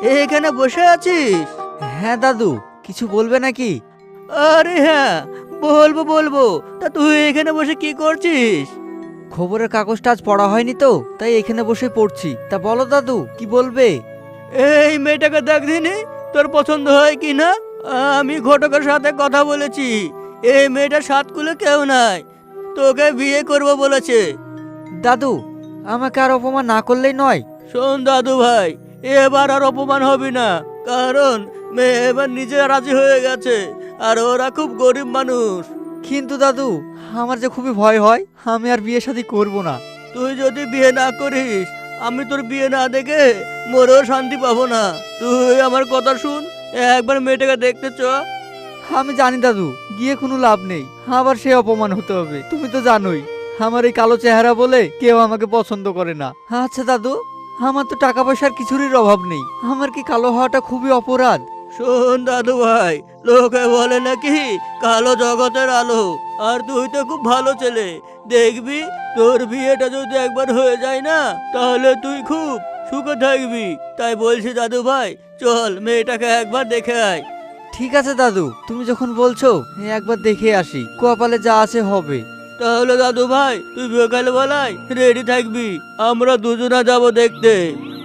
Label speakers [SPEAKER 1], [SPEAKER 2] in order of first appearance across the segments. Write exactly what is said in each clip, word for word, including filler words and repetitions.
[SPEAKER 1] এখানে বসে আছিস?
[SPEAKER 2] হ্যাঁ দাদু, কিছু বলবে নাকি?
[SPEAKER 1] আরে হ্যাঁ, বলবো বলবো। তা তুই এখানে বসে কি করছিস?
[SPEAKER 2] খবরের কাগজটা আজ পড়া হয়নি তো, তাই এখানে বসে পড়ছি। তা বলো দাদু, কি বলবে?
[SPEAKER 1] এই মেয়েটাকে দেখদিনি, তোর পছন্দ হয় কি না? আমি ঘটকের সাথে কথা বলেছি। এই মেয়েটার সাত কুলে কেউ নাই, তোকে বিয়ে করব বলেছে।
[SPEAKER 2] দাদু, আমাকে আর অপমান না করলেই নয়?
[SPEAKER 1] শোন দাদু ভাই, এবার আর অপমান হবি না, কারণ মেয়ে এবার নিজে রাজি হয়ে গেছে, আর ওরা খুব গরিব মানুষ।
[SPEAKER 2] কিন্তু দাদু, আমার যে খুবই ভয় হয়, আমি আর বিয়ে শাদী করব না।
[SPEAKER 1] তুই যদি বিয়ে না করিস, আমি তোর বিয়ে না দেখে মরেও শান্তি পাবো না। তুই আমার কথা শুন, একবার মেয়েটাকে দেখতে চ।
[SPEAKER 2] আমি জানি দাদু, গিয়ে কোনো লাভ নেই, আবার সে অপমান হতে হবে। তুমি তো জানোই আমার এই কালো চেহারা বলে কেউ আমাকে পছন্দ করে না। আচ্ছা দাদু, আমার তো টাকা পয়সার কিছুরই অভাব নেই, আমার কি কালো হওয়াটা খুবই অপরাধ?
[SPEAKER 1] শোন দাদু ভাই, লোকে বলে নাকি কালো জগতের আলো, আর তুই তো খুব ভালো ছেলে। দেখবি তোর বিয়েটা যদি একবার হয়ে যায় না, তাহলে তুই খুব সুখে থাকবি। তাই বলছি দাদু ভাই, চল মেয়েটাকে একবার দেখে আয়।
[SPEAKER 2] ঠিক আছে দাদু, তুমি যখন বলছো এই একবার দেখে আসি, কপালে যা আছে হবে।
[SPEAKER 1] তাহলে দাদু ভাই, তুই বিকাল বেলায় রেডি থাকবি, আমরা দুজনা যাব দেখতে।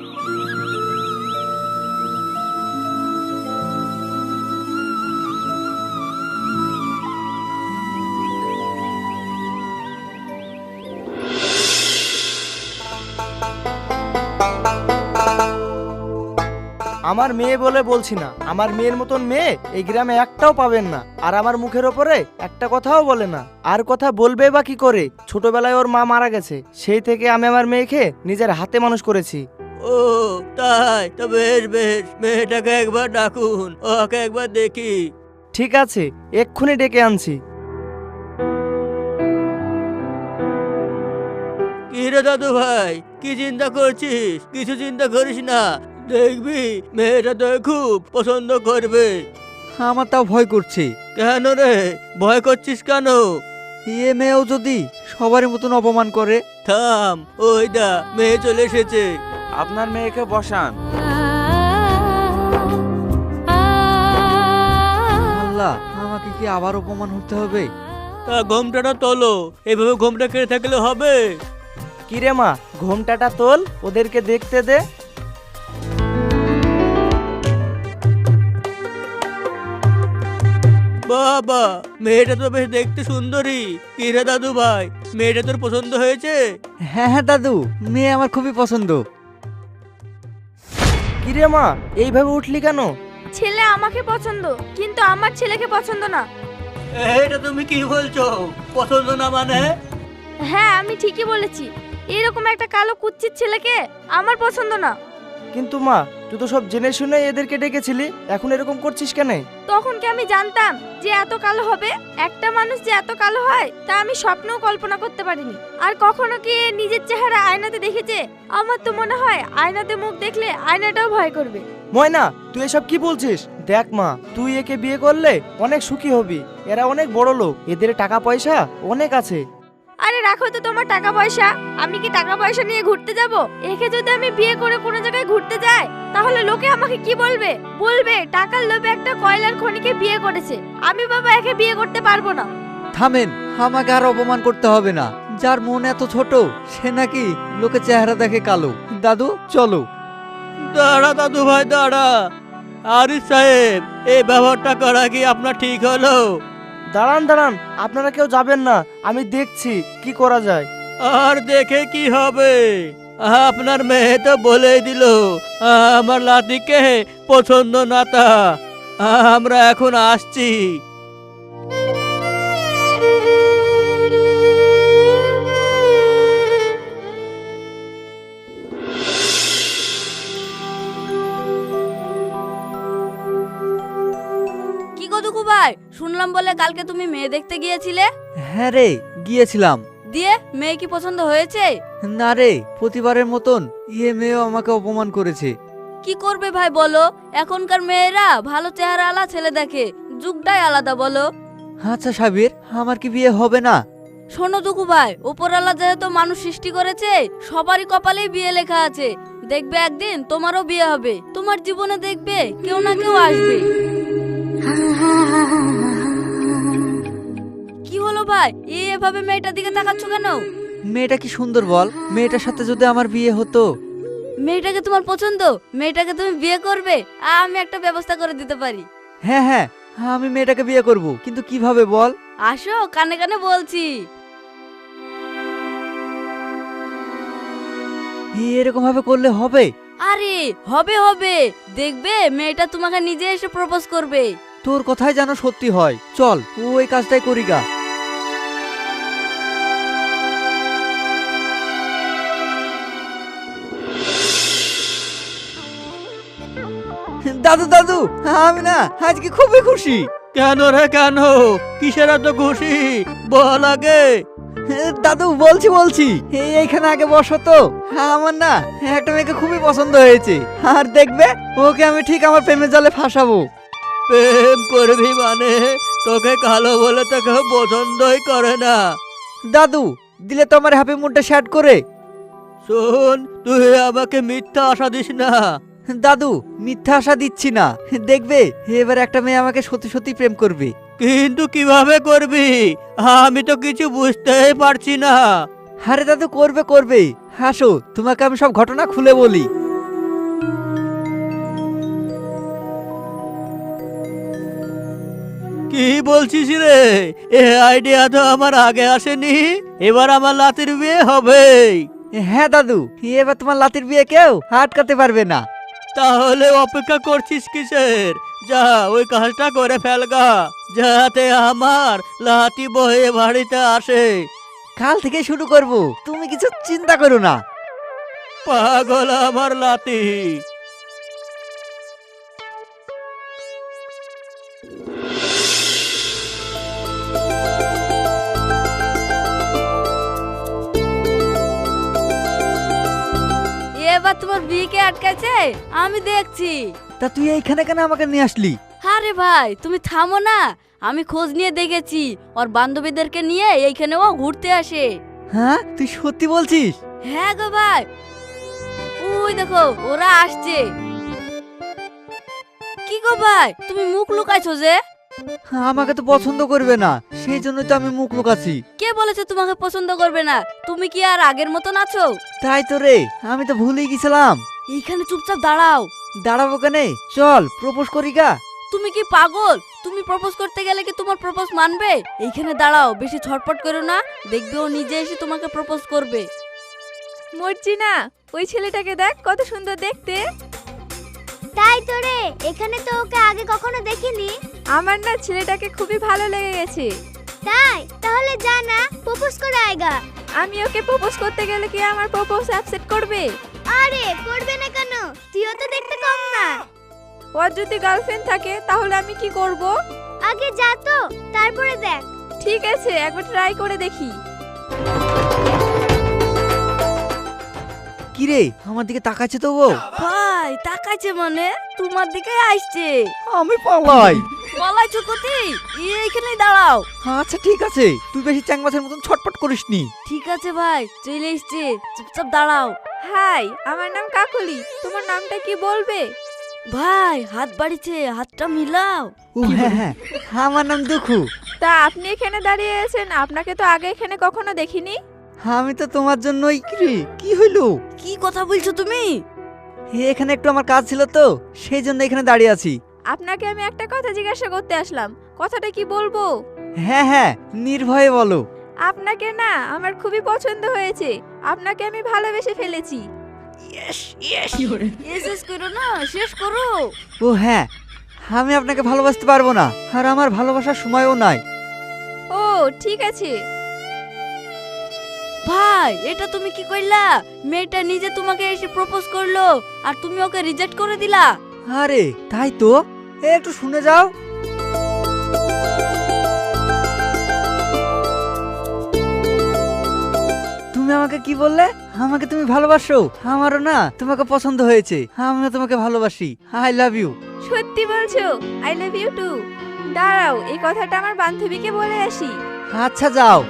[SPEAKER 3] আমার মেয়ে বলে বলছি না, আমার মেয়ের মতন মেয়ে এই গ্রামে একটাও পাবেন না। আর আমার মুখের ওপরে একটা কথাও বলে না। আর কথা বলবে বা কি করে? ছোটবেলায় ওর মা মারা গেছে, সেই থেকে আমি আমার মেয়েকে নিজের হাতে মানুষ করেছি।
[SPEAKER 1] ও তাই? তো বেশ বেশ, মেয়েটাকে একবার ডাকুন, ওকে একবার দেখি।
[SPEAKER 3] ঠিক আছে, এক্ষুনি ডেকে আনছি।
[SPEAKER 1] কি রে দাদু ভাই, কি চিন্তা করছিস? কিছু চিন্তা করিস না, দেখবি মেয়েটা তো খুব পছন্দ করবে।
[SPEAKER 2] আমার তাও ভয় করছে।
[SPEAKER 1] কেন রে, ভয় করছিস কেন?
[SPEAKER 2] এ মেয়েও যদি সবার মতন অপমান করে?
[SPEAKER 1] থাম, ওই দা মেয়ে চলে এসেছে।
[SPEAKER 4] আপনার মেয়েকে বসান।
[SPEAKER 2] আল্লাহ, আমাকে কি আবার অপমান হতে হবে?
[SPEAKER 1] তা ঘোমটাটা তোলো, এইভাবে ঘোমটা কেড়ে থাকলে হবে?
[SPEAKER 3] কিরে মা, ঘোমটাটা তোল, ওদেরকে দেখতে দে।
[SPEAKER 1] বাবা, মেয়েটা তো বেশ দেখতে সুন্দরী। কি রে দাদু ভাই, মেয়েটা তোর পছন্দ হয়েছে?
[SPEAKER 2] হ্যাঁ হ্যাঁ দাদু, মেয়ে আমার খুবই পছন্দ।
[SPEAKER 3] কিরে মা, এইভাবে উঠলি কেন?
[SPEAKER 5] ছেলে আমাকে পছন্দ, কিন্তু আমার ছেলেকে পছন্দ না।
[SPEAKER 1] এটা তুমি কি বলছো? পছন্দ না মানে?
[SPEAKER 5] হ্যাঁ, আমি ঠিকই বলেছি। এরকম একটা কালো কুচ্ছিত ছেলেকে আমার পছন্দ না।
[SPEAKER 3] কিন্তু মা, তুই তো সব জেনে শুনে এদেরকে ডেকেছিলি, এখন এরকম করছিস কেন?
[SPEAKER 5] তখন কি আমি জানতাম যে এত কালো হবে? একটা মানুষ যে এত কালো হয় তা আমি স্বপ্নেও কল্পনা করতে পারিনি। আর কখনো কি এ নিজের চেহারা আয়নাতে দেখেছে? আমার তো মনে হয় আয়নাতে মুখ দেখলে আয়নাটাও ভয় করবে।
[SPEAKER 3] ময়না, তুই এসব কি বলছিস? দেখ মা, তুই একে বিয়ে করলে অনেক সুখী হবি। এরা অনেক বড় লোক, এদের টাকা পয়সা অনেক আছে।
[SPEAKER 5] আরে রাখো তো তোমার টাকা পয়সা, আমি কি টাকা পয়সা নিয়ে ঘুরতে যাব? একে যদি আমি বিয়ে করে কোনো জায়গায় ঘুরতে যাই, তাহলে লোকে আমাকে কি বলবে? বলবে টাকার লোভে একটা কয়লার খনিকে বিয়ে করেছে। আমি বাবা একে বিয়ে করতে পারবো না।
[SPEAKER 2] থামেন, আমাকে আর অপমান করতে হবে না। যার মন এত ছোট, সে নাকি লোকে চেহারা দেখে কালো। দাদু চলো।
[SPEAKER 1] দাঁড়া দাদু ভাই, দাঁড়া। আরিফ সাহেব, এই ব্যবহারটা করা কি আপনার ঠিক হলো?
[SPEAKER 3] দাঁড়ান দাঁড়ান, আপনারা কেউ যাবেন না, আমি দেখছি কি করা যায়।
[SPEAKER 1] আর দেখে কি হবে? আপনার মেয়ে তো বলেই দিল আমার লাতিকে পছন্দ না। তা আমরা এখন আসছি।
[SPEAKER 6] কি গো দুকু ভাই, শুনলাম বলে কালকে তুমি মেয়ে দেখতে গিয়েছিলে?
[SPEAKER 2] হ্যাঁ রে, গিয়েছিলাম।
[SPEAKER 6] দিয়ে মেয়ে কি পছন্দ হয়েছে?
[SPEAKER 2] না রে, প্রতিবারের মতন ইয়ে মেয়েও আমাকে অপমান করেছে।
[SPEAKER 6] কি করবে ভাই বলো, এখনকার মেয়েরা ভালো চেহারা আলা ছেলে দেখে, যুগটাই আলাদা বলো।
[SPEAKER 2] আচ্ছা সাবির, আমার কি বিয়ে হবে না?
[SPEAKER 6] শোনো দুকু ভাই, উপরওয়ালা যেহেতু মানুষ সৃষ্টি করেছে, সবারই কপালেই বিয়ে লেখা আছে। দেখবে একদিন তোমারও বিয়ে হবে, তোমার জীবনে দেখবে কেউ না কেউ আসবে। কি হলো ভাই, এই এভাবে মেয়েটার দিকে তাকাচ্ছ কেন?
[SPEAKER 2] মেয়েটা কি সুন্দর বল, মেয়েটার সাথে যদি আমার বিয়ে হতো।
[SPEAKER 6] মেয়েটাকে তোমার পছন্দ, মেয়েটাকে তুমি বিয়ে করবে, আমি একটা ব্যবস্থা করে দিতে পারি।
[SPEAKER 2] হ্যাঁ হ্যাঁ, আমি মেয়েটাকে বিয়ে করব, কিন্তু কিভাবে বল।
[SPEAKER 6] আসো, কানে কানে বলছি।
[SPEAKER 2] এরকম ভাবে করলে হবে?
[SPEAKER 6] আরে হবে হবে, দেখবে মেয়েটা তোমাকে নিজে এসে প্রপোজ করবে।
[SPEAKER 2] তোর কথাই যেন সত্যি হয়, চল ওই কাজটাই করি গা। দাদু দাদু, আমি না আজকে খুবই খুশি।
[SPEAKER 1] কেন রে কেন? কিসের এত খুশি বল আগে।
[SPEAKER 2] দাদু বলছি বলছি এই এইখানে আগে বসো তো। আমার না একটা মেয়েকে খুবই পছন্দ হয়েছে, আর দেখবে ওকে আমি ঠিক আমার প্রেমের জালে ফাঁসাবো।
[SPEAKER 1] প্রেম করবি মানে? তোকে কালো বলে তো কেউ পছন্দই করে না।
[SPEAKER 2] দাদু দিলে তো আমার হ্যাপি মুডটা শ্যাট করে।
[SPEAKER 1] শোন, তুই আমাকে মিথ্যা আশা দিস না।
[SPEAKER 2] দাদু মিথ্যা আশা দিচ্ছি না, দেখবে এবার একটা মেয়ে আমাকে সত্যি সত্যি প্রেম করবে।
[SPEAKER 1] কিন্তু কিভাবে করবি? আমি তো কিছু বুঝতেই পারছি না।
[SPEAKER 2] আরে দাদু করবে করবে, হাসো তোমাকে আমি সব ঘটনা খুলে বলি।
[SPEAKER 1] কি বলছিস রে? এ আইডিয়া তো আমার আগে আসেনি। এবার আমার লাতির বিয়ে হবে।
[SPEAKER 2] হ্যাঁ দাদু, এবার তোমার লাতির বিয়ে কেউ আটকাতে পারবে না।
[SPEAKER 1] তাহলে অপেক্ষা করছিস কিসের? যা ওই কাজটা করে ফেলগা, যাতে আমার লাতি বয়ে বাড়িতে আসে।
[SPEAKER 2] কাল থেকে শুরু করব, তুমি কিছু চিন্তা করো না।
[SPEAKER 1] পাগল আমার লাতি।
[SPEAKER 6] এবার তোমার বিয়েকে আটকাছে, আমি দেখছি।
[SPEAKER 2] তা তুই এইখানে কেন আমাকে নিয়ে আসলি?
[SPEAKER 6] আরে ভাই তুমি থামো না, আমি খোঁজ নিয়ে দেখেছি ওর বান্ধবীদেরকে নিয়ে এইখানে ও ঘুরতে আসে।
[SPEAKER 2] হ্যাঁ তুই সত্যি বলছিস?
[SPEAKER 6] হ্যাঁ গো ভাই, ওই দেখো ওরা আসছে। কি গো ভাই, তুমি মুখ লুকাইছো যে?
[SPEAKER 2] আমাকে তো পছন্দ করবে না, সেই জন্যই তো আমি মুখ লুকাচ্ছি।
[SPEAKER 6] কে বলেছে তোমাকে পছন্দ করবে না? তুমি কি আর আগের মতন আছো?
[SPEAKER 2] তাই তো রে, আমি তো ভুলেই গেছিলাম।
[SPEAKER 6] এইখানে চুপচাপ দাঁড়াও।
[SPEAKER 2] দাঁড়াবো কেনে, চল প্রপোজ করি গা।
[SPEAKER 6] তুমি কি পাগল? তুমি প্রপোজ করতে গেলে কি তোমার প্রপোজ মানবে? এইখানে দাঁড়াও, বেশি ছটপট করো না, দেখবে ও নিজে এসে তোমাকে প্রপোজ করবে।
[SPEAKER 5] মর্জিনা, ওই ছেলেটাকে দেখ কত সুন্দর দেখতে। তাই তো রে, এখানে তো ওকে আগে কখনো দেখিনি। আমার না ছেলেটাকে খুবই ভালো লেগে গেছে। তাই? তাহলে যা না, প্রপোজ করে আয়গা। আমি ওকে প্রপোজ করতে গেলে কি আমার প্রপোজ অ্যাকসেপ্ট করবে? আরে করবে না কেন, তুইও তো দেখতে কম না। ওর যদি গার্লফ্রেন্ড থাকে তাহলে আমি কি করব? আগে যা তো, তারপরে দেখ। ঠিক আছে, একবার ট্রাই করে দেখি।
[SPEAKER 2] কি রে, আমার দিকে তাকাচ্ছে তো ও?
[SPEAKER 6] ভাই তাকাইছে মানে তোমার দিকে আসছে।
[SPEAKER 2] আমি পালাই।
[SPEAKER 6] পলাইছো কোথায়? এইখানেই দাঁড়াও।
[SPEAKER 2] আচ্ছা ঠিক আছে, তুই বেশি চ্যাংমাছের মতন ছটপট করিসনি।
[SPEAKER 6] ঠিক আছে ভাই, চলে এসছে, চুপচাপ দাঁড়াও।
[SPEAKER 5] হাই, আমার নাম কাকলি। তোমার নামটা কি বলবে?
[SPEAKER 6] ভাই হাত বাড়িছে, হাতটা মিলাও।
[SPEAKER 2] ও হ্যাঁ হ্যাঁ, আমার নাম দুখু।
[SPEAKER 5] তা আপনি এখানে দাঁড়িয়ে আছেন, আপনাকে তো আগে এখানে কখনো দেখিনি।
[SPEAKER 2] আমি তো তোমার জন্যই। কি রে, কি হইলো?
[SPEAKER 6] কি কথা বলছো তুমি?
[SPEAKER 2] এখানে একটু আমার কাজ ছিল তো, সেই জন্য এখানে দাঁড়িয়ে আছি।
[SPEAKER 5] আপনাকে আমি একটা কথা জিজ্ঞাসা করতে আসলাম, কথাটা কি বলবো?
[SPEAKER 2] হ্যাঁ হ্যাঁ, নির্ভয়ে বলো।
[SPEAKER 5] আপনাকে না আমার খুবই পছন্দ হয়েছে, আপনাকে আমি ভালোবেসে ফেলেছি।
[SPEAKER 6] এ শেষ করো না, শেষ করো।
[SPEAKER 2] ও হ্যাঁ, আমি আপনাকে ভালোবাসতে পারবো না, আর আমার ভালোবাসার সময়ও নাই।
[SPEAKER 5] ও ঠিক আছে।
[SPEAKER 6] ভাই এটা তুমি কি কইলা? মেয়েটা নিজে তোমাকে এসে প্রপোজ করলো আর তুমি ওকে রিজেক্ট করে দিলা।
[SPEAKER 2] আরে তাই তো, এ একটু শুনে যাও। তুমি আমাকে কি বললে? আমাকে তুমি ভালোবাসো? আমারও না তোমাকে পছন্দ হয়েছে, আমিও তোমাকে ভালোবাসি। I love you.
[SPEAKER 5] সত্যি বলছো? I love you too. দাঁড়াও, এই কথাটা আমার বান্ধবীকে বলে আসি।
[SPEAKER 2] আচ্ছা যাও।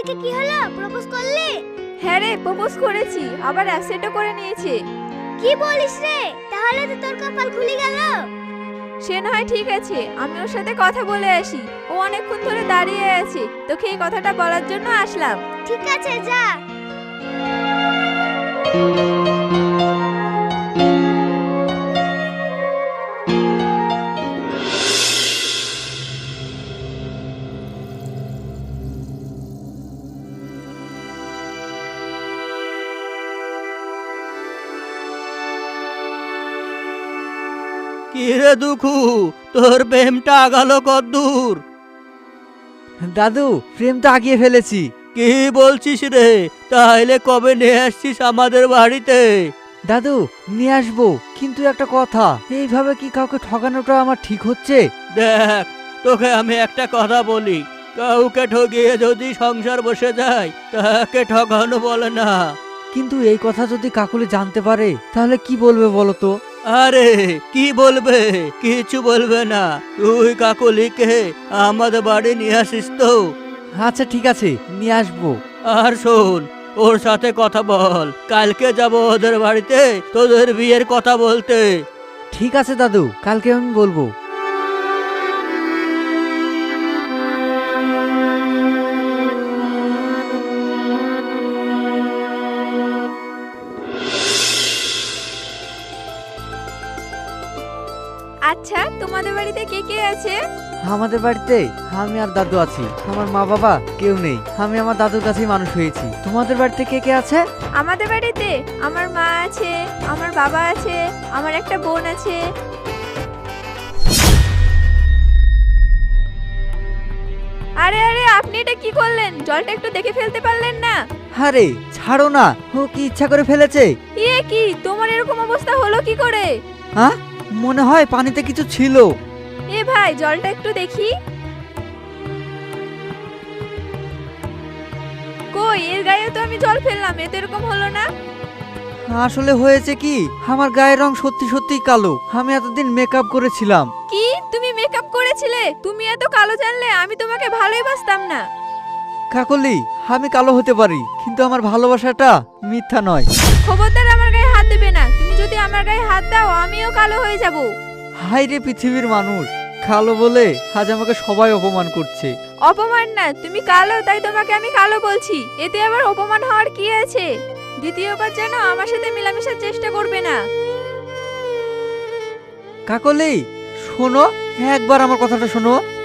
[SPEAKER 5] ওদিকে কি হলো, প্রপোজ করলি?
[SPEAKER 7] হ্যাঁ রে, প্রপোজ করেছি, আবার অ্যাকসেপ্টও করে নিয়েছে।
[SPEAKER 5] কি বলিস রে, তাহলে তো তোর কপাল খুলে গেল।
[SPEAKER 7] সে না হয় ঠিক আছে, আমি ওর সাথে কথা বলে আসি। ও অনেকক্ষণ ধরে দাঁড়িয়ে আছে, তোকে এই কথাটা বলার জন্য আসলাম।
[SPEAKER 5] ঠিক আছে, যা।
[SPEAKER 1] কি রে দুঃখু, তোর প্রেমটা আগালো কদ্দূর?
[SPEAKER 2] দাদু, প্রেম তো আগিয়ে ফেলেছি।
[SPEAKER 1] কি বলছিস রে? তাহলে কবে নিয়ে আসছিস আমাদের বাড়িতে?
[SPEAKER 2] দাদু, নিয়ে আসবো, কিন্তু একটা কথা, এইভাবে কি কাউকে ঠকানোটা আমার ঠিক হচ্ছে?
[SPEAKER 1] দেখ, তোকে আমি একটা কথা বলি, কাউকে ঠকিয়ে যদি সংসার বসে যায় তাকে ঠকানো বলে না।
[SPEAKER 2] কিন্তু এই কথা যদি কাকুলি জানতে পারে তাহলে কি বলবে বলো তো?
[SPEAKER 1] আরে কি বলবে? কিছু বলবে না। তুই কাকলিকে আমাদের বাড়ি নিয়ে আসিস তো?
[SPEAKER 2] আচ্ছা ঠিক আছে, নিয়ে আসবো।
[SPEAKER 1] আর শোন, ওর সাথে কথা বল, কালকে যাব ওদের বাড়িতে তোদের বিয়ের কথা বলতে।
[SPEAKER 2] ঠিক আছে দাদু, কালকে আমি বলবো।
[SPEAKER 7] আচ্ছা, তোমাদের বাড়িতে কে কে আছে?
[SPEAKER 2] আমাদের বাড়িতে আমি আর দাদু আছি, আমার মা বাবা কেউ নেই। আমি আমার দাদুর কাছেই মানুষ হয়েছি। তোমাদের বাড়িতে কে কে আছে?
[SPEAKER 7] আমাদের বাড়িতে আমার মা আছে, আমার বাবা আছে, আমার একটা বোন আছে। আরে আরে, আপনি এটা কি করলেন? জলটা একটু দেখে ফেলতে পারলেন না?
[SPEAKER 2] আরে ছাড়ো না, ও কি ইচ্ছা করে ফেলেছে?
[SPEAKER 7] ইয়ে কি, তোমার এরকম অবস্থা হলো কি করে?
[SPEAKER 2] হ্যাঁ, মনে হয় পানিতে কিছু ছিল।
[SPEAKER 7] এ ভাই, জলটা একটু দেখি। কই, এর গায়ে তো আমি জল ফেললাম, এতে এরকম হলো না।
[SPEAKER 2] আসলে হয়েছে কি, আমার গায়ের রং সত্যি সত্যি কালো। আমি এতদিন মেকআপ করেছিলাম।
[SPEAKER 7] কি, তুমি মেকআপ করেছিলে? তুমি এত কালো জানলে আমি তোমাকে ভালোই বাসতাম না।
[SPEAKER 2] কাকলি, আমি কালো হতে পারি, কিন্তু আমার ভালোবাসাটা মিথ্যা নয়।
[SPEAKER 7] খবরদার আমার গায়ে হাত দেবে না। তুমি যদি আমার গায়ে হাত দাও আমিও কালো হয়ে যাব।
[SPEAKER 2] হাই রে পৃথিবীর মানুষ, কালো বলে আজ আমাকে সবাই অপমান করছে।
[SPEAKER 7] অপমান না, তুমি কালো তাই তোমাকে আমি কালো বলছি, এতে আবার অপমান হওয়ার কি আছে? দ্বিতীয়বার যেন আমার সাথে মেলামেশার চেষ্টা করবে না।
[SPEAKER 2] কাকলি শোনো, একবার আমার কথাটা শোনো।